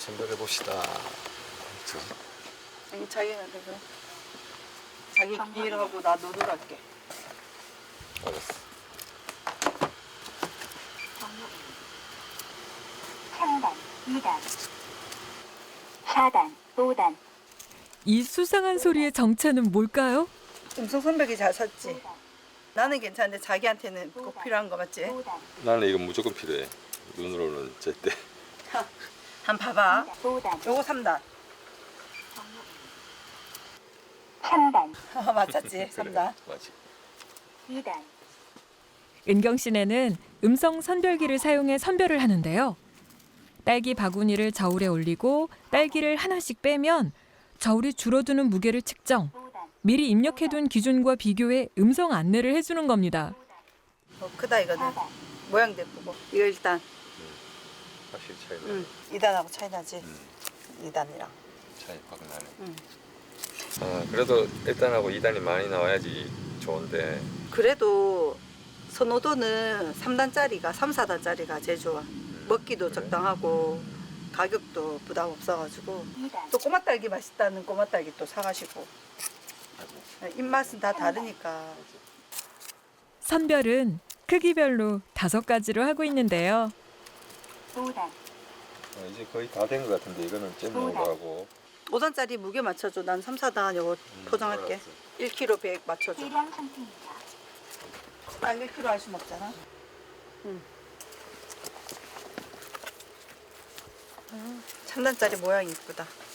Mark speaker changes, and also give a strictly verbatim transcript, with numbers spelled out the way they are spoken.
Speaker 1: 선별해 봅시다.
Speaker 2: 아니 자기가 그래. 자기 일하고 나 노들할게.
Speaker 1: 알았어.
Speaker 3: 삼 단, 이 단, 사 단, 오 단.
Speaker 4: 이 수상한 소리의 정체는 뭘까요?
Speaker 2: 음성 선별기 잘 샀지? 나는 괜찮은데 자기한테는 꼭 필요한 거 맞지?
Speaker 3: 오 단,
Speaker 1: 나는 이거 무조건 필요해. 눈으로는 제때.
Speaker 2: 한 봐봐.
Speaker 3: 오 단,
Speaker 2: 요거 삼 단.
Speaker 3: 삼 단,
Speaker 2: 맞췄지? 삼 단.
Speaker 1: 맞지.
Speaker 3: 이 단,
Speaker 4: 은경 씨네는 음성 선별기를 사용해 선별을 하는데요. 딸기 바구니를 저울에 올리고 딸기를 하나씩 빼면 저울이 줄어드는 무게를 측정.
Speaker 3: 오 단,
Speaker 4: 미리 입력해둔 기준과 비교해 음성 안내를 해주는 겁니다.
Speaker 2: 어, 크다 이거는.
Speaker 3: 사 단,
Speaker 2: 모양도 예쁘고. 이거 일단
Speaker 1: 확실히 차이 나.
Speaker 2: 응. 이 단하고 차이 나지?
Speaker 1: 음,
Speaker 2: 이 단이랑.
Speaker 1: 차이 확 나네.
Speaker 2: 응.
Speaker 1: 아, 그래도 일 단하고 이 단이 많이 나와야지 좋은데.
Speaker 2: 그래도 선호도는 삼 단짜리가 삼, 사 단짜리가 제일 좋아. 먹기도
Speaker 1: 그래?
Speaker 2: 적당하고 가격도 부담 없어가지고.
Speaker 3: 이 단,
Speaker 2: 또 꼬마 딸기 맛있다는 꼬마 딸기 또 사가시고.
Speaker 1: 아이고.
Speaker 2: 입맛은 다 다르니까.
Speaker 4: 선별은 크기별로 다섯 가지로 하고 있는데요.
Speaker 3: 오 단,
Speaker 1: 어, 이제 거의 다 된 것 같은데 이거는 잼 넣으라고.
Speaker 2: 오 단짜리 무게 맞춰줘. 난 삼, 사 단 요거 포장할게.
Speaker 1: 알았어.
Speaker 2: 일 킬로그램 백 맞춰줘.
Speaker 3: 대량 상태입니다.
Speaker 2: 딱 일 킬로그램 할 순 없잖아. 응. 삼 단짜리 모양이 이쁘다.